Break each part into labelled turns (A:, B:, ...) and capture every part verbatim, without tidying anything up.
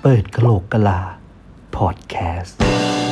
A: เปิดกะโหลกกะลาพอดแคสต์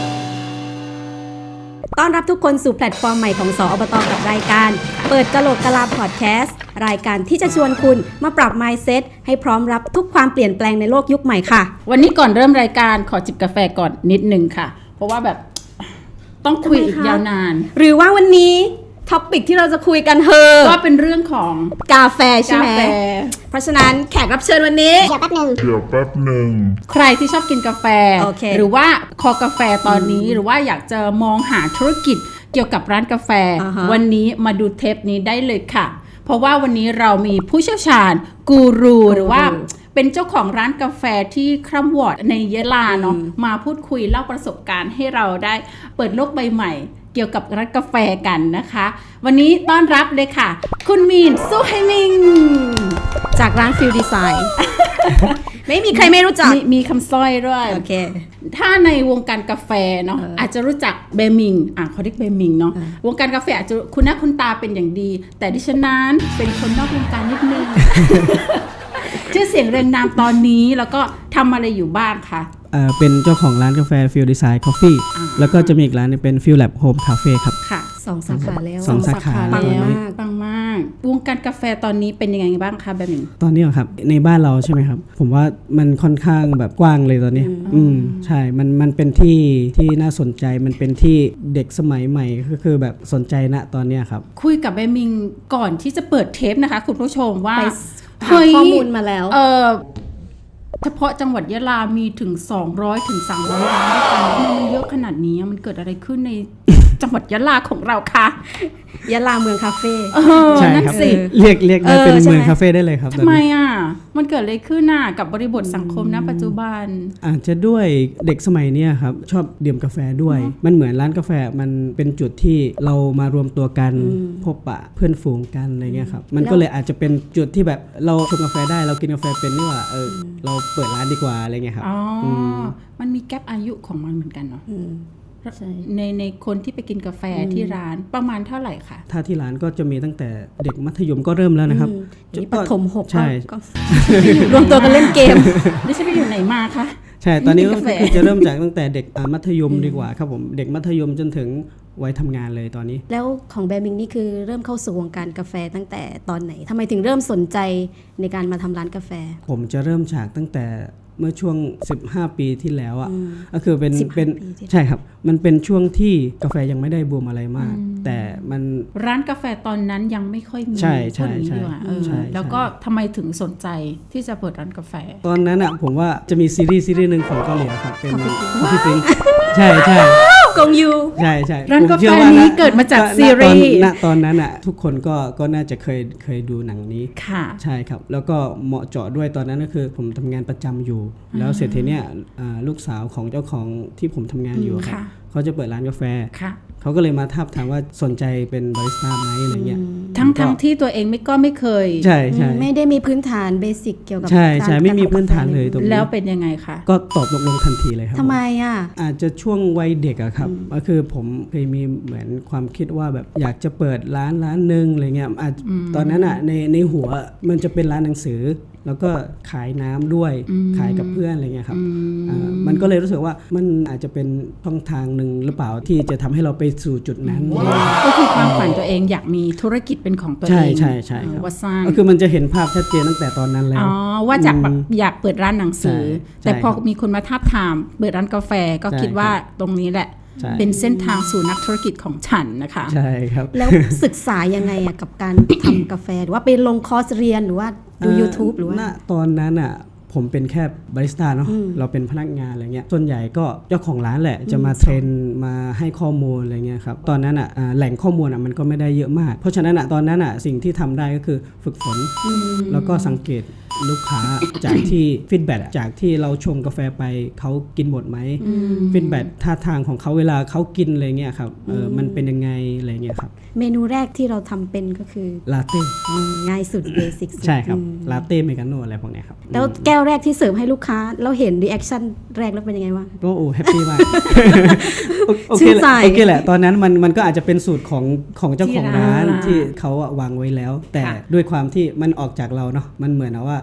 B: ต้อนรับทุกคนสู่แพลตฟอร์มใหม่ของสอบต.กับรายการเปิดกะโหลกกะลาพอดแคสต์รายการที่จะชวนคุณมาปรับ mindset ให้พร้อมรับทุกความเปลี่ยนแปลงในโลกยุคใหม่ค่ะ
C: วันนี้ก่อนเริ่มรายการขอจิบกาแฟก่อนนิดนึงค่ะเพราะว่าแบบต้องคุยอีกยาวนาน
B: หรือว่าวันนี้ท็อปิกที่เราจะคุยกันเฮอ
C: ก็เป็นเรื่องของ
B: กาแฟใช่ไหมเพราะฉะนั้นแขกรับเชิญวันนี้
D: เดี๋ยวแป๊บนึง
E: เดี๋ยวแป๊บนึง
C: ใครที่ชอบกินกาแฟ
B: okay.
C: หรือว่าคอกาแฟตอนนี้หรือว่าอยากจะมองหาธุรกิจเกี่ยวกับร้านกาแฟ uh-huh. วันนี้มาดูเทปนี้ได้เลยค่ะเพราะว่าวันนี้เรามีผู้เชี่ยวชาญกูรูหรือว่าเป็นเจ้าของร้านกาแฟที่คร่ำวอร์ดในยะลาเนาะมาพูดคุยเล่าประสบการณ์ให้เราได้เปิดโลกใบใหม่เกี่ยวกับร้านกาแฟกันนะคะวันนี้ต้อนรับเลยค่ะคุณมีนซูไฮมิง
B: จากร้านฟิลดีไซน์ไม่มีใครไม่รู้จัก
C: ม, มีคำสร้อยด้วย
B: โอเค
C: ถ้าในวงการกาแฟเนาะ อาจจะรู้จักเบมิงอ่ะเขาเรียกเบมิงเนาะวงการกาแฟอาจจะคุณหน้าคุณตาเป็นอย่างดีแต่ดิฉันนั้นเป็นคนนอกวงการนิดนึง ชื่อเสียงเรียงนามตอนนี้แล้วก็ทำอะไรอยู่บ้างคะ
F: เอ่อเป็นเจ้าของร้านกาแฟ Field Design Coffee แล้วก็จะมีอีกร้านนึงเป็น Field Lab Home Cafe ครับ
B: ค่ะสองสาขาแล้ว
F: สองสาขา
C: ปังมากปังมากวงการกาแฟตอนนี้เป็นยังไงบ้างคะแบบนี้
F: ตอนนี้ครับในบ้านเราใช่ไหมครับผมว่ามันค่อนข้างแบบกว้างเลยตอนนี้อืมใช่มันมันเป็นที่ที่น่าสนใจมันเป็นที่เด็กสมัยใหม่ก็คือแบบสนใจณตอนนี้ครับ
C: คุยกับเบมิงก่อนที่จะเปิดเทปนะคะคุณผู้ชมว่า
B: หาข้อมูลมาแล้ว
C: เออเฉพาะจังหวัดยะลามีถึงสองร้อยถึงสามร้อยร้านด้วยกันมันเยอะขนาดนี้มันเกิดอะไรขึ้นในจังหวัดยะลาของเราคะ
B: ยะลาเมืองคาเฟ่
F: ใช่ครับเรียกเรียกได้เป็นเมืองคาเฟ่ได้เลยครับ
C: ทำไมอ่ะมันเกิดอะไรขึ้นน่ะกับบริบทสังคมณปัจจุบัน
F: อาจจะด้วยเด็กสมัยนี้ครับชอบดื่มกาแฟด้วยมันเหมือนร้านกาแฟมันเป็นจุดที่เรามารวมตัวกันพบปะเพื่อนฝูงกันอะไรเงี้ยครับมันก็เลยอาจจะเป็นจุดที่แบบเราชงกาแฟได้เรากินกาแฟเป็นนี่ว่าเออเราเปิดร้านดีกว่าอะไรเงี้ยครับ
C: อ๋อมันมีแกปอายุของมันเหมือนกันเนาะในในคนที่ไปกินกาแฟที่ร้านประมาณเท่าไหร่คะ
F: ถ้าที่ร้านก็จะมีตั้งแต่เด็กมัธยมก็เริ่มแล้วนะครับ
B: จุดประถมหก
F: ใช่
B: รวมตัวกันเล่นเกม
C: นี่ฉันไปอยู่ไหนมาคะ
F: ใช่ตอนนี้ก็คือจะเริ่มจากตั้งแต่เด็กมัธยมดีกว่าครับผมเด็กมัธยมจนถึงวัยทำงานเลยตอนนี้
B: แล้วของแบมิงนี่คือเริ่มเข้าสู่วงการกาแฟตั้งแต่ตอนไหนทำไมถึงเริ่มสนใจในการมาทำร้านกาแฟ
F: ผมจะเริ่มจากตั้งแต่เมื่อช่วงสิบห้าปีที่แล้วอ่ะก็คือเป็นเป็นใช่ครับมันเป็นช่วงที่กาแฟยังไม่ได้บูมอะไรมากแต่มัน
C: ร้านกาแฟตอนนั้นยังไม่ค่อยมี
F: ใช่ใช่ใช่
C: แล้วก็ทำไมถึงสนใจที่จะเปิดร้านกาแฟ
F: ตอนนั้นอ่ะผมว่าจะมีซีรีส์ซีรีส์นึงของเกาหลีครับเป็น Coffee Prince ใช่ใช่
B: กงยู
F: ใช่ใช่
C: ร้านกาแฟนี้เกิดมาจากซีรีส์
F: ณตอนนั้นอ่ะทุกคนก็ก็น่าจะเคยเคยดูหนังนี้
C: ค่ะ
F: ใช่ครับแล้วก็เหมาะเจาะด้วยตอนนั้นก็คือผมทำงานประจำอยู่แล้วเสร็จทีเนี้ยลูกสาวของเจ้าของที่ผมทำงานอยู่ครับเขาจะเปิดร้านกาแฟเขาก็เลยมาทับถามว่าสนใจเป็นบาริสต้าไหมอะไรเงี้ย
C: ทั้งทั้งที่ตัวเองไม่ก็ไม่เคย
F: ใช่ใช่
B: ไม่ได้มีพื้นฐานเบสิกเกี่ยวกับ
F: ใช่ใช่ไม่มีพื้นฐานเลยตรงนี้
C: แล้วเป็นยังไงคะ
F: ก็ตอบตกลงทันทีเลยครับ
B: ทำไมอ่ะ
F: อาจจะช่วงวัยเด็กอะครับก็คือผมเคยมีเหมือนความคิดว่าแบบอยากจะเปิดร้านร้านนึงอะไรเงี้ยตอนนั้นอะในในหัวมันจะเป็นร้านหนังสือแล้วก็ขายน้ำด้วยขายกับเพื่อนอะไรเงี้ยครับมันก็เลยรู้สึกว่ามันอาจจะเป็นช่องทางหนึ่งหรือเปล่าที่จะทำให้เราไปสู่จุดนั้น
C: ก็คือความฝันตัวเองอยากมีธุรกิจเป็นของตัวเอง
F: ใช่ใช่ใช่ครับ
C: ว่าสร้าง
F: ก็คือมันจะเห็นภาพชัดเจนตั้งแต่ตอนนั้นแล้ว
C: อ๋อว่าจากอยากเปิดร้านหนังสือแต่พอมีคนมาทาบทามเปิดร้านกาแฟก็คิดว่าตรงนี้แหละเป็นเส้นทางสู่นักธุรกิจของฉันนะคะ
F: ใช่ครับ
B: แล้วศึกษายังไงอะกับการทำกาแฟหรือว่าไปลงคอร์สเรียนหรือว่าดู YouTube หรือว่า
F: ณตอนนั้นอ่ะผมเป็นแค่บาริสต้าเนาะเราเป็นพนักงานอะไรเงี้ยส่วนใหญ่ก็เจ้าของร้านแหละจะมาเทรนมาให้ข้อมูลอะไรเงี้ยครับตอนนั้นอ่ะแหล่งข้อมูลอ่ะมันก็ไม่ได้เยอะมากเพราะฉะนั้นอ่ะตอนนั้นอ่ะสิ่งที่ทำได้ก็คือฝึกฝนแล้วก็สังเกตลูกค้าจากที่ฟีดแบ็กจากที่เราชงกาแฟไปเขากินหมดไหมฟีดแบ็กท่าทางของเขาเวลาเขากินอะไรเงี้ยครับเออมันเป็นยังไงอะไรเงี้ยครับ
B: เมนูแรกที่เราทำเป็นก็คือ
F: ลาเต้
B: ง่ายสุดเบสิก
F: ใช่ครับลาเต้เมกาโน่อะไรพวกเนี้ยครับ
B: แล้วแก้วแรกที่เสิร์ฟให้ลูกค้าเราเห็นรีแอคชั่นแรกแล้วเป็นยังไงวะ
F: ก็โอ้แฮปปี้มากโอเคแหละโอเคแหละตอนนั้นมันมันก็อาจจะเป็นสูตรของของเจ้าของร้านที่เขาวางไว้แล้วแต่ด้วยความที่มันออกจากเราเนาะมันเหมือนว่า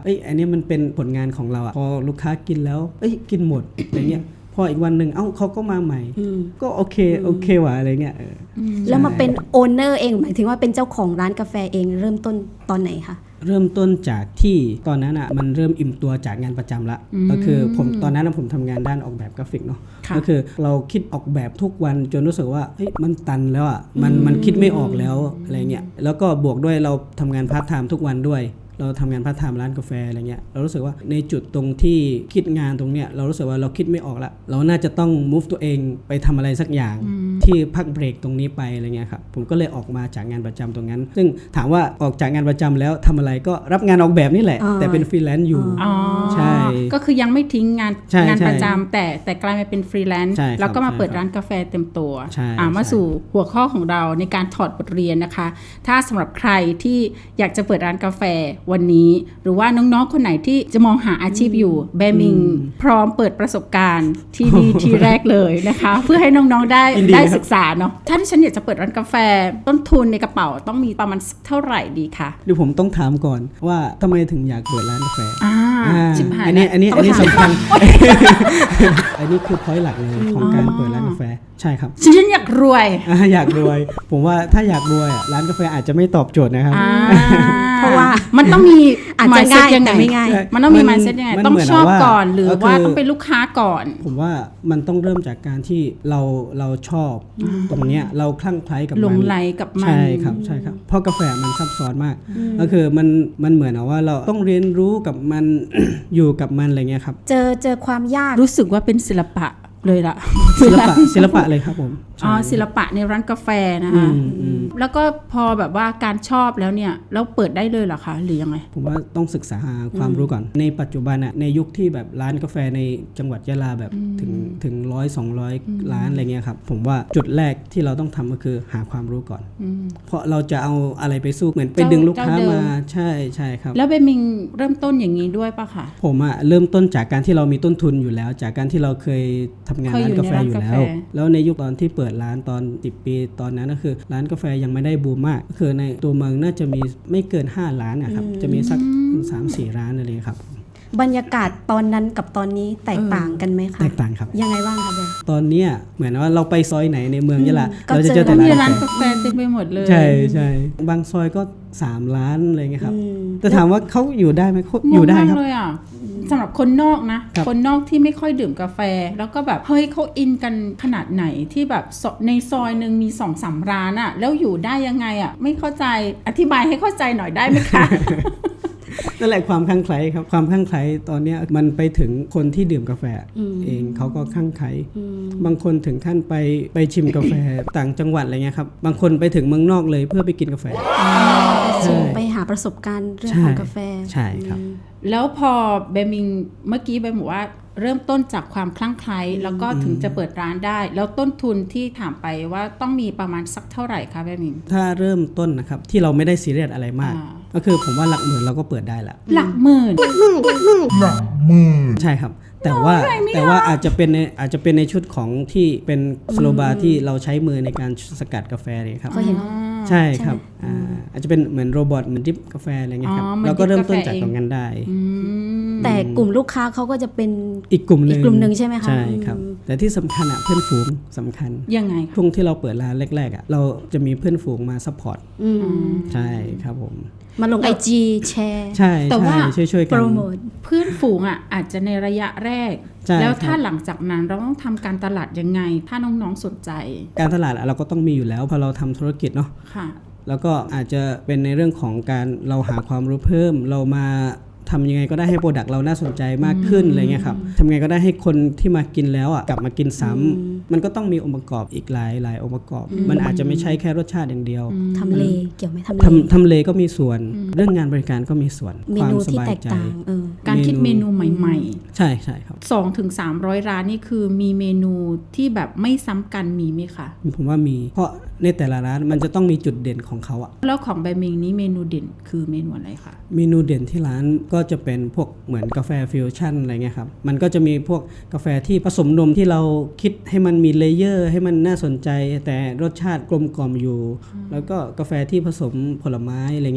F: อ้ยอันนี้มันเป็นผลงานของเราอะพอลูกค้ากินแล้วเอ้ยกินหมดอะไรเงี้ยพออีกวันหนึ่งเอ้าเขาก็มาใหม่ก็โอเคโอเคว่ะอะไรเงี้ย
B: แล้วมาเป็นโอเนอร์เองหมายถึงว่าเป็นเจ้าของร้านกาแฟเองเริ่มต้นตอนไหนคะ
F: เริ่มต้นจากที่ตอนนั้นอ่ะมันเริ่มอิ่มตัวจากงานประจำละก็คือผมตอนนั้นผมทำงานด้านออกแบบกราฟิกเนาะก็คือเราคิดออกแบบทุกวันจนรู้สึกว่าเฮ้ยมันตันแล้วอ่ะมันมันคิดไม่ออกแล้วอะไรเงี้ยแล้วก็บวกด้วยเราทำงานพาร์ทไทม์ทุกวันด้วยเราทำงานพาร์ทไทม์ร้านกาแฟอะไรเงี้ยเรารู้สึกว่าในจุดตรงที่คิดงานตรงเนี้ยเรารู้สึกว่าเราคิดไม่ออกละเราน่าจะต้อง move ตัวเองไปทำอะไรสักอย่างที่พักเบรกตรงนี้ไปอะไรเงี้ยครับผมก็เลยออกมาจากงานประจำตรงนั้นซึ่งถามว่าออกจากงานประจำแล้วทำอะไรก็รับงานออกแบบนี่แหละแต่เป็นฟรีแลนซ์อยู่ใช่
C: ก็คือยังไม่ทิ้งงานงานประจำแต่แต่กลายมาเป็นฟรีแลนซ์แล้วก็มาเปิดร้านกาแฟเต็มตัวมาสู่หัวข้อของเราในการถอดบทเรียนนะคะถ้าสำหรับใครที่อยากจะเปิดร้านกาแฟวันนี้หรือว่าน้องๆคนไหนที่จะมองหาอาชีพอยู่แบมิงพร้อมเปิดประสบการณ์ที่นี่ที่แรกเลยนะคะเพื่อให้น้องๆได้ได้ศึกษาเนาะถ้าที่ฉันอยากจะเปิดร้านกาแฟต้นทุนในกระเป๋าต้องมีประมาณเท่าไหร่ดีคะ
F: เดี๋ยวผมต้องถามก่อนว่าทำไมถึงอยากเปิดร้านกาแฟ
C: อ่า
F: อันนี้อันนี้อันนี้สำคัญอันนี้คือ point หลักเลยของการเปิดร้านกาแฟใช่ครับ
C: ฉันอยากรวย
F: อยากรวยผมว่าถ้าอยากรวยร้านกาแฟอาจจะไม่ตอบโจทย์นะครับ
B: เพราะว่า
C: มันต้องมี
B: อาจจะง่ายแต่ไม่ง่าย
C: มันต้องมี mindset ยังไงต้องชอบก่อนหรือว่าต้องเป็นลูกค้าก่อน
F: ผมว่ามันต้องเริ่มจากการที่เราเราชอบตรงเนี้ยเราคลั่งไคล้กับมัน
C: หลงไหลกับมัน
F: ใช่ครับใช่ครับเพราะกาแฟมันซับซ้อนมากก็คือมันมันเหมือนว่าเราต้องเรียนรู้กับมัน อยู่กับมันอะไรเงี้ยครับ
B: เจอเจอความยาก
C: รู้สึกว่าเป็นศิลปะเลยล่ะ
F: ศิลปะศิลปะเลยครับผม
C: อ๋อศิลปะในร้านกาแฟนะคะแล้วก็พอแบบว่าการชอบแล้วเนี่ยแล้วเปิดได้เลยเหรอคะหรือยังไง
F: ผมว่าต้องศึกษาหาความรู้ก่อนในปัจจุบันน่ะในยุคที่แบบร้านกาแฟในจังหวัดยะลาแบบถึงถึงหนึ่งร้อย สองร้อยร้านอะไรเงี้ยครับผมว่าจุดแรกที่เราต้องทำก็คือหาความรู้ก่อนเพราะเราจะเอาอะไรไปสู้เหมือนไปดึงลูกค้ามาใช่ใช่ครับ
C: แล้วเบมิงเริ่มต้นอย่างนี้ด้วยป่ะคะ
F: ผมอ่ะเริ่มต้นจากการที่เรามีต้นทุนอยู่แล้วจากการที่เราเคยทำงานร้านกาแฟอยู่แล้วแล้วในยุคตอนที่เปิดร้านตอนสิบปีตอนนั้นก็คือร้านกาแฟยังไม่ได้บูมมากก็คือในตัวเมืองน่าจะมีไม่เกินห้าร้านนะครับจะมีสัก สามสี่ ร้านอะไรครับ
B: บรรยากาศตอนนั้นกับตอนนี้แตกต่างกันไหมคะ
F: แตกต่างครับ
B: ยังไงบ้างคะเบล
F: ตอนนี้เหมือนว่าเราไปซอยไหนในเมืองยะลาเราจะเจอแต่
C: ร้านกาแฟเต็มไปหมดเลย
F: ใช่ใช่บางซอยก็สามร้านอะไรเงี้ยครับแต่ถามว่าเขาอยู่ได้ไหมเขาอยู่ได้ครับ
C: เลยอ่ะสำหรับคนนอกนะคนนอกที่ไม่ค่อยดื่มกาแฟแล้วก็แบบเฮ้ยเขาอินกันขนาดไหนที่แบบในซอยนึงมี สองสาม ร้านอ่ะแล้วอยู่ได้ยังไงอ่ะไม่เข้าใจอธิบายให้เข้าใจหน่อยได้ไหมคะ
F: นั่นแหละความคลั่งไคล้ครับความคลั่งไคล้ตอนนี้มันไปถึงคนที่ดื่มกาแฟเองเขาก็คลั่งไคล้บางคนถึงขั้นไปไปชิมกาแฟต่างจังหวัดอะไรเงี้ยครับบางคนไปถึงเมืองนอกเลยเพื่อไปกินกาแฟ
B: ไปหาประสบการณ์เรื่องของกาแฟ
F: ใช่ครับ
C: แล้วพอเบมิงเมื่อกี้เบมบอกว่าเริ่มต้นจากความคลั่งไคล้แล้วก็ถึงจะเปิดร้านได้แล้วต้นทุนที่ถามไปว่าต้องมีประมาณสักเท่าไหร่คะเบมิง
F: ถ้าเริ่มต้นนะครับที่เราไม่ได้ซีเรียสอะไรมากก็คือผมว่าหลักหมื่นเราก็เปิดได้ละ
C: หลักหมื่นหลักหมื่น
F: หลักหมื่นใช่ครับแต่ว่าแต่ว่าอาจจะเป็นในอาจจะเป็นในชุดของที่เป็นสโลบาร์ที่เราใช้มือในการสกัดกาแฟเลยครับใช่ครับอาจจะเป็นเหมือนโรบอทเหมือนดริปกาแฟอะไรเงี้ยครับเราก็เริ่มต้นจากตรงนั้นได้
B: แต่กลุ่มลูกค้าเขาก็จะเป็น
F: อีกกลุ่มนึง
B: อีกกลุ่มนึงใช่ไหมคะ
F: ใช่ครับแต่ที่สำคัญอ่ะเพื่อนฝูงสำคัญ
C: ยังไง
F: ช่วงที่เราเปิดร้านแรกๆอ่ะเราจะมีเพื่อนฝูงมาซัพพอร์ตใช่ครับผม
B: มาลง ไอ จี แชร์
F: ใช่แต่ว่าช่วยๆกันโปรโมท
C: เพื่อนฝูงอ่ะอาจจะในระยะแรกแล้วถ้าหลังจากนั้นเราต้องทำการตลาดยังไงถ้าน้องๆสนใจ
F: การตลาดเราก็ต้องมีอยู่แล้วพอเราทำธุรกิจเนาะแล้วก็อาจจะเป็นในเรื่องของการเราหาความรู้เพิ่มเรามาทำยังไงก็ได้ให้โปรดักต์เราน่าสนใจมากขึ้นอะไรเงี้ยครับทำยังไงก็ได้ให้คนที่มากินแล้วอ่ะกลับมากินซ้ำมันก็ต้องมีองค์ประกอบอีกหลายหลายองค์ประกอบมันอาจจะไม่ใช่แค่รสชาติอย่างเดียว
B: ทำเลเกี่ยวไหมทำเล
F: ทำเลก็มีส่วนเรื่องงานบริการก็มีส่วน
B: ความสบายใจ
C: การคิดเมนูใหม่
F: ๆใช่ใช่ครับ
C: สองถึงสามร้อย ร้านนี่คือมีเมนูที่แบบไม่ซ้ำกันมีไหมคะ
F: ผมว่ามีเพราะในแต่ละร้านมันจะต้องมีจุดเด่นของเขาอะ
C: แล้วของแบมิงนี้เมนูเด่นคือเมนูอะไรคะ
F: เมนูเด่นที่ร้านก็จะเป็นพวกเหมือนกาแฟฟิวชั่นอะไรเงี้ยครับมันก็จะมีพวกกาแฟที่ผสมนมที่เราคิดให้มันมีเลเยอร์ให้มันน่าสนใจแต่รสชาติกลมกล่อมอยู่แล้วก็กาแฟที่ผสมผลไม้อะไรเงี้ยครับ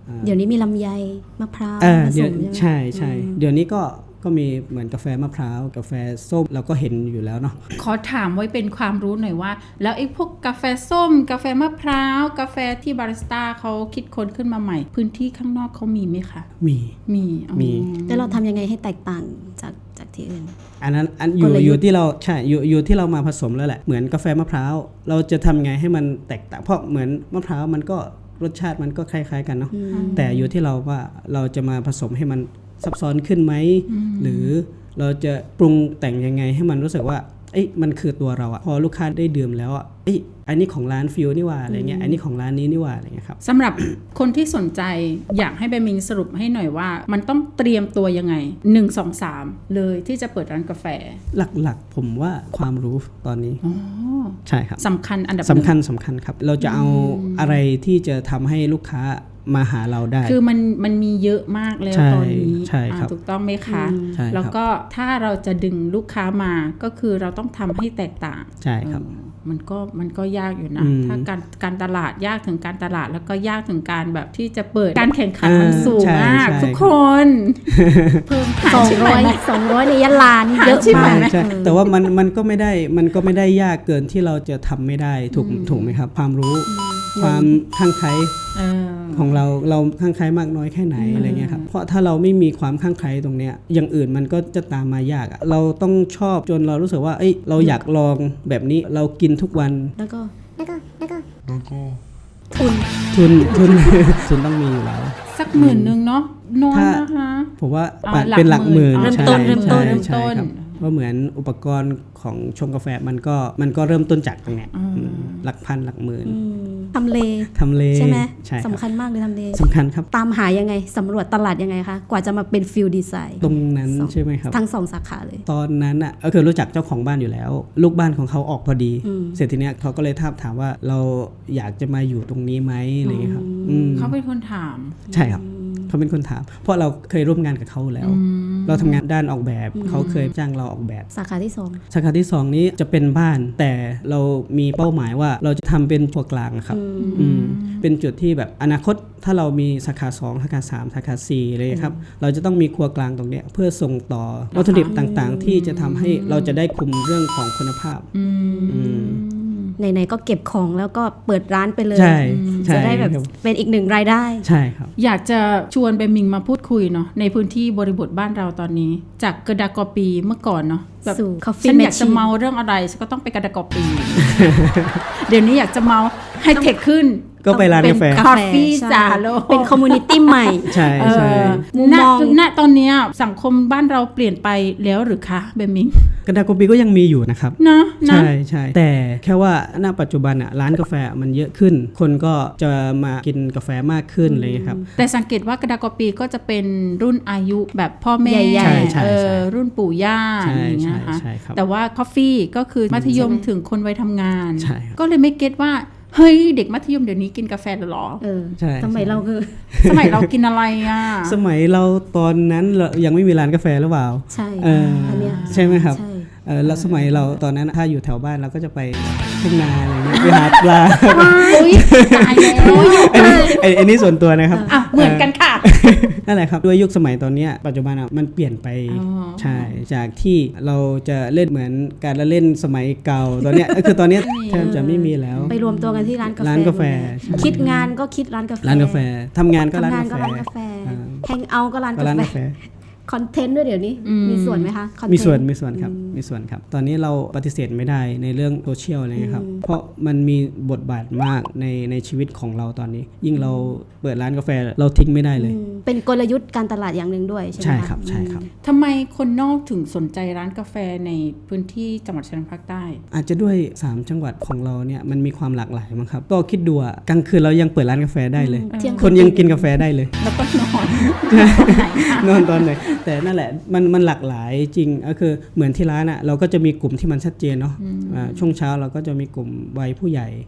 B: เดี๋ยวนี้มีลำไยมะพร้าว
F: อ่า
B: ผส
F: เดี๋ยว
B: มใช่ไหม
F: ใช่ใช่เดี๋ยวนี้ก็ก็มีเหมือนกาแฟมะพร้าวกาแฟส้มเราก็เห็นอยู่แล้วเนาะ
C: ขอถามไว้เป็นความรู้หน่อยว่า แล้วไอ้พวกกาแฟส้ม กาแฟมะพร้าวกาแฟที่บาริสต้าเขาคิดค้นขึ้นมาใหม่ พื้นที่ข้างนอกเขามีไหมคะ
F: มี
C: มีอ๋อ
F: มี
B: แล้วเราทำยังไงให้แตกต่างจากจากที่อื่น
F: อันนั้นอันอยู่
B: กลยุทธ์
F: อยู่ที่เราใช่อยู่อยู่ที่เรามาผสมแล้วแหละเหมือนกาแฟมะพร้าวเราจะทำไงให้มันแตกต่างเพราะเหมือนมะพร้าวมันก็รสชาติมันก็คล้ายๆกันเนาะแต่อยู่ที่เราว่าเราจะมาผสมให้มันซับซ้อนขึ้นไหมหรือเราจะปรุงแต่งยังไงให้มันรู้สึกว่าเอ้ยมันคือตัวเราอะพอลูกค้าได้ดื่มแล้วอะเอ้ยอันนี้ของร้านฟิวนี่ว่าอะไรเงี้ยอันนี้ของร้านนี้นี่ว่าอะไรเงี้ยครับ
C: สำหรับคนที่สนใจอยากให้เบมิงสรุปให้หน่อยว่า มันต้องเตรียมตัวยังไงหนึ่ง สอง สามเลยที่จะเปิดร้านกาแฟ
F: หลักๆผมว่าความรู้ตอนนี้
C: อ๋อ
F: ใช่ครับ
C: สำคัญอันดับหนึ่ง
F: สำคัญสำคัญครับ เราจะเอาอะไรที่จะทำให้ลูกค้ามาหาเราได้
C: คือมันมันมีเยอะมากแล้ว
F: ใช่
C: ตอนนี้
F: ใช่ครับ
C: อ่าถูกต้องไหมคะ
F: ใช่ครับ
C: แล้วก็ถ้าเราจะดึงลูกค้ามาก็คือเราต้องทำให้แตกต่าง
F: ใช่ครับ
C: เออมันก็มันก็ยากอยู่นะ
F: อืม
C: ถ้าการการตลาดยากถึงการตลาดแล้วก็ยากถึงการแบบที่จะเปิดการแข่งขันมัน
F: อ่า
C: สูง
F: ใช่
C: มาก
F: ใช่
C: ทุกคน เพิ่มหาร
B: สอง
C: ชิป
B: ร้อย
C: ไหม
B: สองร้อยในยะลานี่เยอะ
C: หาชิป
B: มาก
C: ไหม
F: ใช่แต่ว่ามันมันก็ไม่ได้มันก็ไม่ได้ยากเกินที่เราจะทำไม่ได้ถูกถูกไหมครับ ความรู้ความคลั่งไคล้
C: เออ
F: ของเราเราคลั่งไคล้มากน้อยแค่ไหนอะไรเงี้ยครับเพราะถ้าเราไม่มีความคลั่งไคล้ตรงเนี้ยอย่างอื่นมันก็จะตามมายากอะเราต้องชอบจนเรารู้สึกว่าเอ้ยเราอยากลองแบบนี้เรากินทุกวัน
B: แล้วก็
D: แล้วก็แล้วก็
B: ทุน
F: ทุนทุน ทุนต้องมีอยู่แล้ว
C: สักหมื่นหนึ่งเนาะน้อย
F: ถ้า
C: นะคะ
F: ผมว่า
C: อ่า
F: ปัด
C: หลัก
F: เป็นหลักหมื่น
C: หมื่น
F: ใช่
B: เริ่มต้นเริ่มต้น
F: ใช่
C: เริ่ม
F: ใช่
C: ต้น
F: ครับเพราะเหมือนอุปกรณ์ของชงกาแฟมันก็มันก็เริ่มต้นจากตรงเนี้ยอืมหลักพันหลักหมื่น
B: อืมทำเล
F: ทำเล
B: ใช่ไหม
F: ใช่ครับ
B: สำคัญมากเลยทำเล
F: สำคัญครับ
B: ตามหายังไงสำรวจตลาดยังไงคะกว่าจะมาเป็นฟิลดีไซน์
F: ตรงนั้นใช่ไหมครับ
B: ทั้งสองสาขาเลย
F: ตอนนั้นอ่ะก็คือรู้จักเจ้าของบ้านอยู่แล้ว ลูกบ้านของเขาออกพอดี
B: อืม
F: เสร็จทีเนี้ยเขาก็เลยถามถามว่าเราอยากจะมาอยู่ตรงนี้ไหมอะไรอย่างเงี้ยครับอืม
C: เขาเป็นคนถาม
F: ใช่ครับเขาเป็นคนถาม เพราะเราเคยร่วมงานกับเขาแล้ว เราทำงานด้านออกแบบเขาเคยจ้างเราออกแบบ
B: สาขาที่สอง
F: สาขาที่สองนี้จะเป็นบ้านแต่เรามีเป้าหมายว่าเราจะทำเป็นตัวกลางครับอืมเป็นจุดที่แบบอนาคตถ้าเรามีสาขาสองสาขาสามสาขาสี่เลยครับเราจะต้องมีครัวกลางตรงเนี้ยเพื่อส่งต่อวัตถุดิบต่างๆ ที่จะทำให้เราจะได้คุมเรื่องของคุณภาพ
C: อืม
F: อืม
B: ไหนๆก็เก็บของแล้วก็เปิดร้านไปเลย
F: ใช่ใช่
B: จะได้แบบ
F: ครับ
B: เป็นอีกหนึ่งรายได้
F: ใช่ครับ
C: อยากจะชวนเบมิงมาพูดคุยเนาะในพื้นที่บริบทบ้านเราตอนนี้ จากกระดากอปีเมื่อก่อนเนาะแบบ
B: สู่ Coffee
C: ฉันอยากจะ
B: Machine
C: เมาเรื่องอะไรฉันก็ต้องไปกระดากอปี เดี๋ยวนี้อยากจะเมาให้เทคขึ้น
F: ก็ไปร้านกาแฟ
C: เป็น Coffee
B: ใช่
C: จ่าโล
B: เป็นคอมมูนิตี้ใหม่
F: ใช่ใช่
B: มุม
C: ณ
B: มอง
C: ณตอนเนี้ยสังคมบ้านเราเปลี่ยนไปแล้วหรือคะเบมิง
F: กระดาษโกปีก็ยังมีอยู่นะครับ
C: เนาะนะ
F: ใช่ใช่แต่แค่ว่าณปัจจุบันอ่ะร้านกาแฟมันเยอะขึ้น คนก็จะมากินกาแฟมากขึ้นอะไรอย่างเลยครับ
C: แต่สังเกตว่ากระดากอปีก็จะเป็นรุ่นอายุแบบพ่อแม่
B: ใหญ่
F: ใช่ใช่
C: เอ
F: ใช่
C: อรุ่นปู่ย่า
F: ใช่
C: อย่างเงี้ย
F: ใช่
C: นะคะ
F: ใช่ครับ
C: แต่ว่าคอฟฟี่ก็คือมัธยม
B: ใช่ไหม
C: ถึงคนวัยทำงาน
F: ใช่ครับ
C: ก็เลยไม่เก็ตว่า เฮ้ยเด็กมัธยมเดี๋ยวนี้กินกาแฟเหรอ
B: เออ
F: ใช่
B: สมัยเราคือ
C: สมัยเรากินอะไรอ่ะ
F: สมัยเราตอนนั้นเรายังไม่มีร้านกาแฟหรือเปล่า
B: ใช่
F: เอออั
B: นเนี้ย
F: ใช่ไหมครับ
B: ใช่
F: เออแล้วสมัยเราตอนนั้นถ้าอยู่แถวบ้านเราก็จะไปทุ่งนาอะไรเงี้ยไปหาปลา
C: อุ้ยตายแล้ว
F: อันนี้ไอ้ไอันนี้ส่วนตัวนะครับ
C: อ่ะเหมือนกันค่ะ
F: นั่นแหละครับด้วยยุคสมัยตอนเนี้ยปัจจุบันอ่ะมันเปลี่ยนไป
C: อ๋อ
F: ใช่จากที่เราจะเล่นเหมือนการละเล่นสมัยเก่าตอนเนี้ย ก็คือตอนเนี้ยแทบจะไม่มีแล้ว
B: ไปรวมตัวกันที่ร้านกาแฟ
F: ร้านกาแฟ
B: หมดเลย
F: ใช่
B: คิดงานก็คิดร้านกาแฟ
F: ร้านกาแฟทำงานก็ร้าน
B: ทำงาน
F: กา
B: ก็
F: แฟ
B: ร้านกาแฟ
F: อ่า
B: แฮงเอาท์ก็ร้าน
F: ก็
B: กา
F: ร้าน
B: แฟ
F: กาแฟ
B: คอนเทนต์ด้วยเดี๋ยวนี้
C: อืม
B: มีส่วนไหมคะ content
F: มีส่วนมีส่วนครับมีส่วนครับ ตอนนี้เราปฏิเสธไม่ได้ในเรื่องโซเชียลอะไรเงี้ยครับเพราะมันมีบทบาทมากในในชีวิตของเราตอนนี้ ยิ่งเราเปิดร้านกาแฟเราทิ้งไม่ได้เลย
B: อืมเป็นกลยุทธ์การตลาดอย่างหนึ่งด้วยใช่ไหม
F: ใช่
B: ะ
F: ครับใช่ครับ
C: ทำไมคนนอกถึงสนใจร้านกาแฟในพื้นที่จังหวัดชายแดนภาคใต้
F: อาจจะด้วยสามจังหวัดของเราเนี่ยมันมีความหลากหลายมั้งครับก็คิดดูอะกลางคืนเรายังเปิดร้านกาแฟได้เลย
B: เที่ยง
F: คนยังกินกาแฟได้เลย
C: แล้วก็นอนตรงไหนคะ
F: นอนตอนไหนแต่นั่นแหละมันมันหลากหลายจริงก็คือเหมือนที่ร้านอ่ะเราก็จะมีกลุ่มที่มันชัดเจนเนาะอ่าช่วงเช้าเราก็จะมีกลุ่มวัยผู้ใหญ่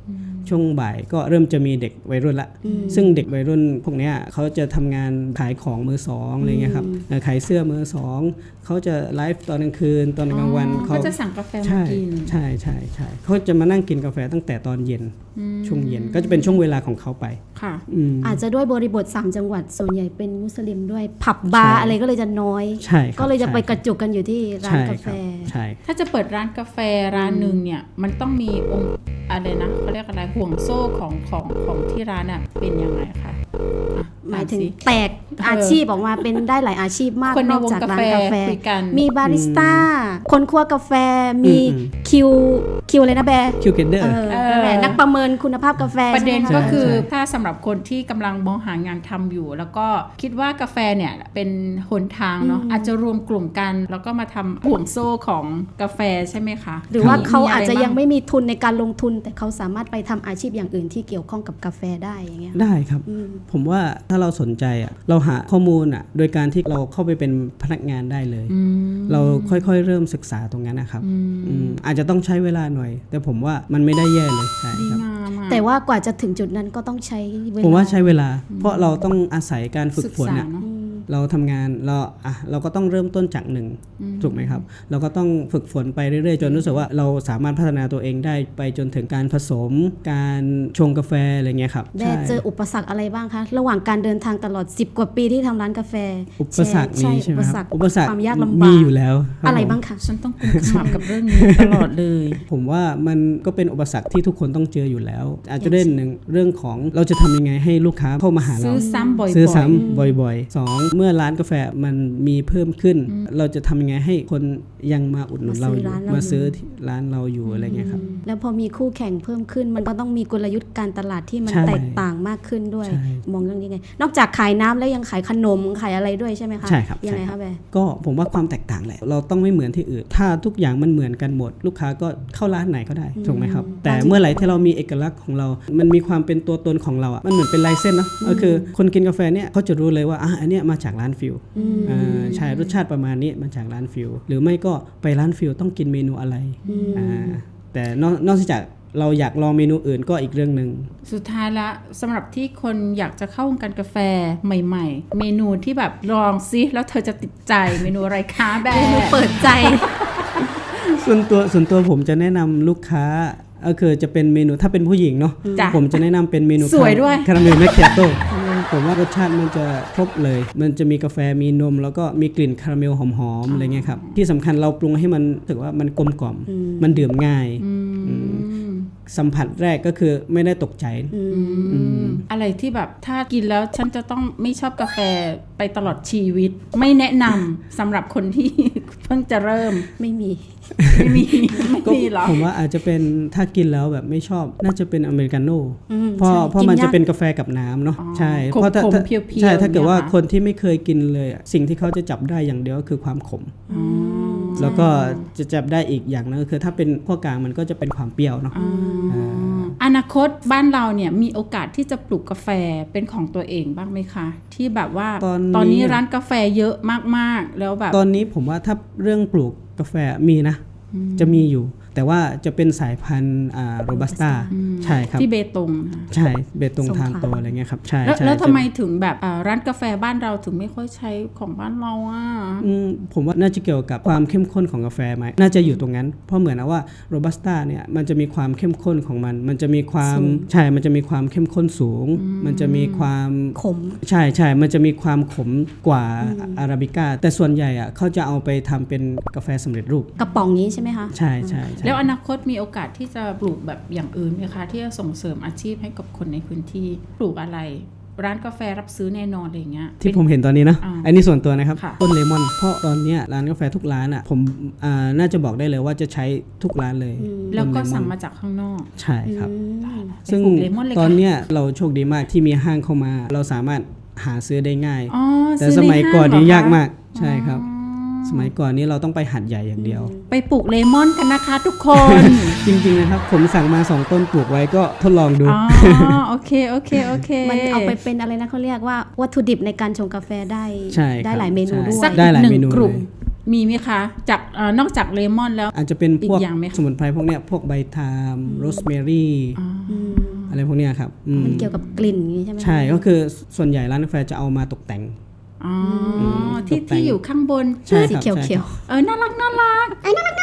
F: ช่วงบ่ายก็เริ่มจะมีเด็กวัยรุ่นละซึ่งเด็กวัยรุ่นพวกเนี้ยเขาจะทำงานขายของมือสองอะไรเงี้ยครับเอ่อขายเสื้อมือสองเขาจะไลฟ์ตอนกลางคืนตอนกลางวัน
C: เขาจะสั่งกาแฟมา
F: ใช่
C: กิน
F: ใช่ใช่ใช่เขาจะมานั่งกินกาแฟตั้งแต่ตอนเย็นช่วงเย็นก็จะเป็นช่วงเวลาของเขาไป
C: ค่ะ
F: อืม
B: อาจจะด้วยบริบทสามจังหวัดส่วนใหญ่เป็นมุสลิมด้วยผับบาร์อะไรก็เลยจะน้อย
F: ใช่ครับ
B: ก็เลยจะไป
F: ใช่
B: กระจุกกันอยู่ที่ร้านกาแฟ
F: ใช่
C: ถ้าจะเปิดร้านกาแฟร้านหนึ่งเนี่ยมันต้องมีองค์อะไรนะเขาเรียกอะไรห่วงโซ่ของของของที่ร้านอ่ะเป็นยังไงคะอ่ะ
B: หมายถึง
C: อ่นสิ
B: แตกอาชีพออกมาเป็นได้หลายอาชีพมาก
C: คนใน
B: นอกจากร้านกาแฟ
C: วงกาแฟคุยกัน
B: มีบาริสต้า คนคั่วกาแฟมี
F: อืม
B: คิวคิวอะไรนะแบร์
F: คิวเกนเดอ
B: เอ
F: ร์
B: อนั่นแหละนักประเมินคุณภาพกาแฟ
C: ประเด็น
B: ใช่ไหม
C: ก็
B: คะ
C: คือ
F: ใช่
C: ถ้าสำหรับคนที่กำลังมองหางานทำอยู่ แล้วก็คิดว่ากาแฟเนี่ยเป็นหนทางเนาะอาจจะรวมกลุ่มกัน แล้วก็มาทำห่วงโซ่ของกาแฟใช่ไหมคะ
B: หรือว่าเขาอาจจะ
C: มีไรบ้
B: ยังไม่มีทุนในการลงทุน แต่เขาสามารถไปทำอาชีพอย่างอื่นที่เกี่ยวข้องกับกาแฟได้อย่างเงี้ย
F: ได้ครับ
B: อืม
F: ผมว่าถ้าเราสนใจอ่ะเราหาข้อมูลอ่ะโดยการที่เราเข้าไปเป็นพนักงานได้เลย
C: อืม
F: เราค่อยๆเริ่มศึกษาตรงนั้นนะครับ
C: อืม
F: อืมอาจจะต้องใช้เวลาหน่อย แต่ผมว่ามันไม่ได้แย่เลยใช่
C: ดี
F: ครับ
C: งามอะ
B: แต่ว่ากว่าจะถึงจุดนั้นก็ต้องใช้เวลา
F: ผมว่าใช้เวลา เพราะเราต้องอาศัยการฝึก
C: ศึก
F: ฝน
C: ษา
F: อ่ะ
C: เนาะ
F: เราทำงานเราอ่ะเราก็ต้องเริ่มต้นจากหนึ่งถูกไหมครับ เราก็ต้องฝึกฝนไปเรื่อยๆ จนรู้สึกว่าเราสามารถพัฒนาตัวเองได้ไปจนถึงการผสม การชงกาแฟอะไรเงี้ยครับ
B: แม่เจออุปสรรคอะไรบ้างคะระหว่างการเดินทางตลอดสิบกว่าปีที่ทำร้านกาแฟ
F: อุปสรรคนี้ใช่ไหม
B: อุป
F: ค
B: สร
F: รั
B: ร
F: บ
B: ค
F: อุปสรรค
B: ความยากลำบาก
F: มีอยู่แล้วคบ
B: อะไร
F: ผม
B: บ้างคะ
C: ฉันต้องกุมขมับกับเรื่องนี้ตลอดเลย
F: ผมว่ามันก็เป็นอุปสรรคที่ทุกคนต้องเจออยู่แล้ว อาจจะเรื่องหนึ่งเรื่องของเราจะทำยังไงให้ลูกค้าเข้ามาหาเรา
C: ซื้อซ้ำบ่อยๆ
F: ซื้อซ้ำบ่อยๆสองเมื่อร้านกาแฟมันมีเพิ่มขึ้น เราจะทำยังไงให้คนยังมาอุดหนุนเราอยู่มาซื้อที่ร้านเราอยู่อะไรเงี้ยครับ
B: แล้วพอมีคู่แข่งเพิ่มขึ้น มันก็ต้องมีกลยุทธ์การตลาดที่มัน
F: ใช่
B: แตกต่างมากขึ้นด้วย
F: ใช่
B: มองเรื่องนี้ไง นอกจากขายน้ำแล้วยังขายขนมขายอะไรด้วยใช่ไหมคะ
F: ใช่ครับ
B: ยังไง
F: ใช่ครั
B: คะ
F: บ
B: แบร์
F: ก็ผมว่าความแตกต่างแหละเราต้องไม่เหมือนที่อื่น ถ้าทุกอย่างมันเหมือนกันหมด ลูกค้าก็เข้าร้านไหนก็ได้ถูกไหมครับ แต่เมื่อไหร่ที่เรามีเอกลักษณ์ของเรา มันมีความเป็นตัวตนของเราอ่ะมันเหมือนเป็นลายเส้นเนาะก็คือคนกินกาแฟเนี่ยเขาจะรู้เลยว่าอ่ะอันเนี้ยมาจากร้านฟิลอ่าใช่รสชาติประมาณนี้มาจากร้านฟิลหรือไม่ก็ไปร้านฟิลต้องกินเมนูอะไรอ่าแต่นอกนอกจากเราอยากลองเมนูอื่นก็อีกเรื่องหนึ่ง
C: สุดท้ายละสำหรับที่คนอยากจะเข้าวงการกาแฟใหม่ๆ เมนูที่แบบลองซิแล้วเธอจะติดใจเมนูอะไรคะแบ
B: เมนู
C: ร์
B: เปิดใจ
F: ส่วนตัวส่วนตัวผมจะแนะนำลูกค้าก็คือจะเป็นเมนูถ้าเป็นผู้หญิงเนาะ
C: จ้ะ
F: ผมจะแนะนำเป็นเมนู
C: สวยด้วย
F: คาราเมลแมคคิอาโต้ผมว่ารสชาติมันจะครบเลย มันจะมีกาแฟมีนม แล้วก็มีกลิ่นคาราเมลหอมๆอะไรเงี้ยครับที่สำคัญเราปรุงให้มันรู้สึกว่ามันกลมกล่อมมันดื่มง่ายอืมสัมผัสแรกก็คือไม่ได้ตกใจอืม
C: อะไรที่แบบถ้ากินแล้วฉันจะต้องไม่ชอบกาแฟไปตลอดชีวิต ไม่แนะนำสำหรับคนที่ เพิ่งจะเริ่ม
B: ไม่มี
C: ไม่มีไม่
F: ก็
C: มีหรอ
F: ผมว่าอาจจะเป็นถ้ากินแล้วแบบไม่ชอบน่าจะเป็นอเมริกาโน่
B: อืม
F: เพราะ
B: ใช่
F: เพราะ
B: กิน
F: มันจะ
B: ยาก
F: เป็นกาแฟกับน้ำเนาะ
C: อ๋อ
F: ใช่
C: ขม
F: เพราะถ้า
C: ขม
F: ถ้า
C: เพียวๆ
F: ใช่ถ้าเกิดว่า
C: เนี่ยค่ะ
F: คนที่ไม่เคยกินเลยอะสิ่งที่เขาจะจับได้อย่างเดียวก็คือความขม
C: อ๋อ
F: แล้วก็จะจับได้อีกอย่างนึงก็คือถ้าเป็นพวกกลางมันก็จะเป็นความเปรี้ยวเนาะ
C: อ๋ออนาคตบ้านเราเนี่ยมีโอกาสที่จะปลูกกาแฟเป็นของตัวเองบ้างไหมคะ ที่แบบว่า
F: ตอนนี้
C: ตอนนี้ร้านกาแฟเยอะมากๆแล้วแบบ
F: ตอนนี้ผมว่าถ้าเรื่องปลูกกาแฟมีนะ จะมีอยู่ แต่ว่าจะเป็นสายพันธุ์อ่าโรบัสต้าใช่ครับ
C: ที่เบตงนะ
F: ใช่เบตง
B: สงขลา
F: ทานโตอะไรเงี้ยครับใช่
C: แล้ว
F: ใช่
C: แล้วทำ
F: จะ
C: ไมถึงแบบอ่าร้านกาแฟบ้านเราถึงไม่ค่อยใช้ของบ้านเราอ่ะ
F: อืมผมว่าน่าจะเกี่ยวกับความเข้มข้นของกาแฟไหมน่าจะอยู่ตรงนั้น เพราะเหมือนนะว่าโรบัสต้าเนี่ยมันจะมีความเข้มข้นของมัน มันจะมีความใช่มันจะมีความเข้มข้นสูง มันจะมีความ
B: ขม
F: ใช่ใช่มันจะมีความขมกว่าอาราบิก้าแต่ส่วนใหญ่อะเขาจะเอาไปทำเป็นกาแฟสำเร็จรูป
B: กระป๋องนี้ใช่ไหมคะ
F: ใช่ใช่ใช่
C: แล้วอนาคตมีโอกาสที่จะปลูกแบบอย่างอื่นไหมคะที่จะส่งเสริมอาชีพให้กับคนในพื้นที่ปลูกอะไร ร้านกาแฟรับซื้อแน่นอนอะไรอย่างเงี้ย
F: ที่ผมเห็นตอนนี้นะ
C: อ่า
F: อันนี้ส่วนตัวนะครับ
C: ค่ะ
F: ต้นเลมอนเพราะตอนเนี้ยร้านกาแฟทุกร้านอ่ะผมอ่าน่าจะบอกได้เลยว่าจะใช้ทุกร้านเลย
C: แล้วก็
F: ต้นเลมอน
C: สั่งมาจากข้างนอก
F: ใช่ครับ
C: ไป
F: ซึ่ง
C: ปลูกเลมอนเลย
F: ตอน
C: ค่ะ
F: เนี้ยเราโชคดีมากที่มีห้างเข้ามา เราสามารถหาซื้อได้ง่าย
C: อ๋อ
F: แต่
C: ซื้
F: ส
C: ใน
F: มัยก่อน
C: ห้ง
F: นี้
C: เหร
F: ยาก
C: คะ
F: มากใช่ครับ สมัยก่อนนี้เราต้องไปหัดใหญ่อย่างเดียว
C: ไปปลูกเลมอนกันนะคะทุกคน
F: จริงๆนะครับผมสั่งมาสองต้นปลูกไว้ก็ทดลองดู
C: อ๋อโอเคโอเคโอเค
B: มันเอาไปเป็นอะไรนะเขาเรียกว่าวัตถุดิบในการชงกาแฟได้
F: ใช่ครับ
B: ได้หลายเมนูด้วย
C: สัก
F: ได้
C: อีก
F: หลาย
C: หนึ่
F: เม
C: ง
F: นู
C: กลุ่ม
F: เลย
C: มีไหมคะจากเอ่อนอกจากเลมอนแล้ว
F: อาจจะเป็นพวก
C: อีกอย่างไหมคะ
F: สมุนไพรพวกเนี้ยพวกใบทามโรสแมรี่
C: อ๋อ
F: อะไรพวกเนี้ยครับอืม
B: มันเกี่ยวกับกลิ่นอย่างนี้ใช่ไหม
F: ใช่ก็คือส่วนใหญ่ร้านกาแฟจะเอามาตกแต่ง
C: อ๋อที่
F: ตกแต่ง
C: ที่อยู่ข้างบน
F: ใช่ครับ
B: สีเขียว
F: ใช่
B: เขียว
F: ครับ
C: เออน่ารักน่ารัก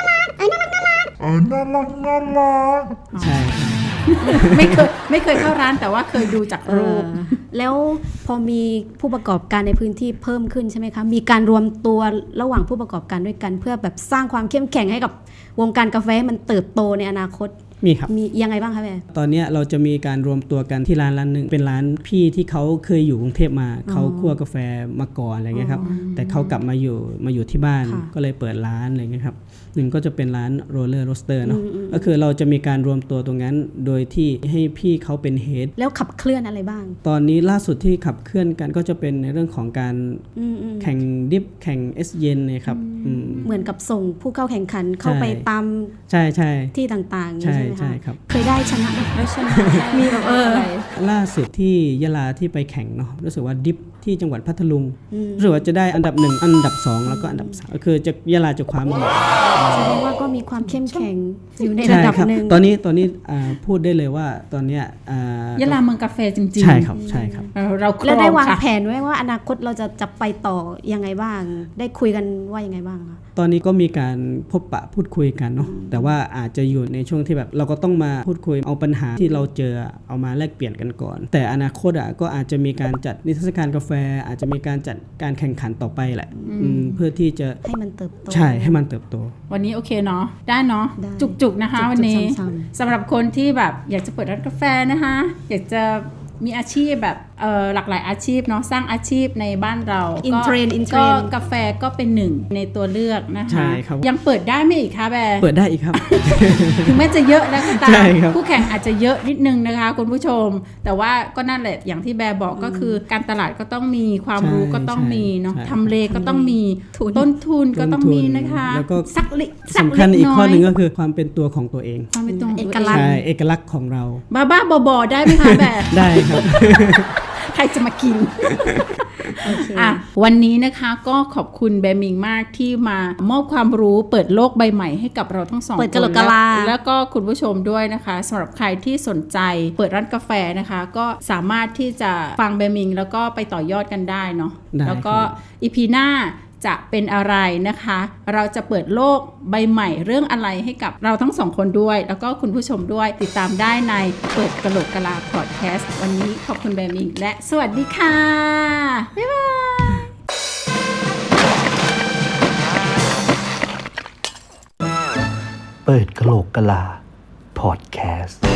F: ใช่ครับ
C: ไม่เคยไม่เคยเข้าร้านแต่ว่าเคยดูจากรูป
B: แล้วพอมีผู้ประกอบการในพื้นที่เพิ่มขึ้นใช่ไหมคะมีการรวมตัวระหว่างผู้ประกอบการด้วยกัน เพื่อแบบสร้างความเข้มแข็งให้กับวงการกาแฟให้มันเติบโตในอนาคต
F: มีครับ
B: มียังไงบ้างคะแม่
F: ตอนเนี้ยเราจะมีการรวมตัวกันที่ร้านร้านหนึ่งเป็นร้านพี่ที่เขาเคยอยู่กรุงเทพมาเขาคั่วกาแฟมาก่อนอะไรเงี้ยครับแต่เขากลับมาอยู่มาอยู่ที่บ้าน
B: ค่ะ
F: ก็เลยเปิดร้านอะไรเงี้ยครับหนึ่งก็จะเป็นร้านโรลเลอร์โรสเตอร์เนาะก็คือเราจะมีการรวมตัวตรงนั้นโดยที่ให้พี่เขาเป็นเฮด
B: แล้วขับเคลื่อนอะไรบ้าง
F: ตอนนี้ล่าสุดที่ขับเคลื่อนกันก็จะเป็นในเรื่องของการ
B: อืมอืม
F: แข่งดิฟแข่งเอสเย็นเนี่ยครับอืม
B: เหมือนกับส่งผู้เข้าแข่งขันเข้า
F: ใช่
B: ไปตาม
F: ใช่ใช่
B: ที่ต่างๆอย่างนี้
F: ใช่
B: ใช่ไหม
F: ใช่
B: คะ
F: ครับ
B: เคยได้ชนะไหม
C: แล้วชนะ
B: มีแบบเออ
C: ะไร
F: ล่าสุดที่ยะลาที่ไปแข่งเนาะรู้สึกว่าดิฟที่จังหวัดพัทลุง
B: อืม
F: รู้สึกว่าจะได้อันดับหนึ่งอันดับสองแล้วก็อันดับสามก็คือจะยะลาจะคว้ามาหมด
B: แสดงว่าก็มีความเข้มแข็งอยู่ในระ
F: ใช่
B: ดับ
F: ครับ
B: หนึ่ง
F: ตอนนี้ตอนนี้อ่าพูดได้เลยว่าตอนเนี้ยอ่าย
C: ะลาเมืองกาแฟจริงๆ
F: ใช่ครับใช่ครับ
C: เออเราคร
B: แล้ว
C: อ
B: ได้
C: ง
B: วาง
C: ค่ะ
B: แผนไว้ว่าอนาคตเราจะจะไปต่อยังไงบ้าง ได้คุยกันว่ายังไงบ้างคะ
F: ตอนนี้ก็มีการพบปะพูดคุยกันเนาะแต่ว่าอาจจะอยู่ในช่วงที่แบบเราก็ต้องมาพูดคุยเอาปัญหาที่เราเจอเอามาแลกเปลี่ยนกันก่อน แต่อนาคตอ่ะก็อาจจะมีการจัดนิทรรศการกาแฟ อาจจะมีการจัดการแข่งขันต่อไปแหละอืมเพื่อที่จะ
B: ให้มันเติบโต
F: ใช่ให้มันเติบโต
C: วันนี้โอเคเนาะได้เนาะ
B: ได้
C: จุกๆนะคะ
B: จุกๆ
C: วันนี้
B: ซ้ำ
C: สำหรับคนที่แบบอยากจะเปิดร้านกาแฟนะคะ อยากจะมีอาชีพแบบเอ่อหลากหลายอาชีพเนาะสร้างอาชีพในบ้านเรา
B: อิน
C: ก็
B: เทรนด์อินเทร
C: ก็
B: นด์
C: กาแฟก็เป็นหนึ่งในตัวเลือกนะคะ
F: ใช่ครับ
C: ยังเปิดได้ไหมอีกคะแบร์
F: เปิดได้อีกครับ
C: ถึงแม้จะเยอะแล้วก็ตา
F: ใช่
C: ม
F: ครับ
C: คู่แข่งอาจจะเยอะนิดนึงนะคะคุณผู้ชม แต่ว่าก็นั่นแหละอย่างที่แบร์บอกก็คือการตลาดก็ต้องมีความรู้
F: ใช่
C: ก็ต้องมีเนาะ
F: ใช่
C: ทำเลก็ต้องมีต้นทุนก็ต้องมีนะคะ
F: แล้วก็
C: สักเล็กสัก
F: สำคัญ
C: เล็ก
F: อีก
C: น้
F: ข้อ
C: อย
F: หนึ่งก็คือความเป็นตัวของตัวเอง
C: ความเป็นตัวของ
B: เอ
C: ตัว
B: กลักษณ์
F: ใช่เอกลักษณ์ของเรา
C: บ้าบ้าๆบอๆได้ไหมคะแบบ
F: ได้ครับ
C: ใครจะมากิน
B: โอเค
C: อ่ะวันนี้นะคะก็ขอบคุณแบมิงมากที่มามอบความรู้เปิดโลกใบใหม่ให้กับเราทั้งสอง
B: เปิด
C: ค
B: กะโหล
C: น
B: กกะลา
C: แล้วแล้วก็คุณผู้ชมด้วยนะคะสำหรับใครที่สนใจเปิดร้านกาแฟนะคะ ก็สามารถที่จะฟังแบมิงแล้วก็ไปต่อยอดกันได้เนาะ
F: ได้
C: แล้วก็
F: ครับ
C: อีพีหน้าจะเป็นอะไรนะคะ เราจะเปิดโลกใบใหม่เรื่องอะไรให้กับเราทั้งสองคนด้วย แล้วก็คุณผู้ชมด้วยติดตามได้ในเปิดกะโหลกกะลาพอดแคสต์วันนี้ขอบคุณแบมิงและสวัสดีค่ะบ๊ายบาย
A: เปิดกะโหลกกะลา พอดแคสต์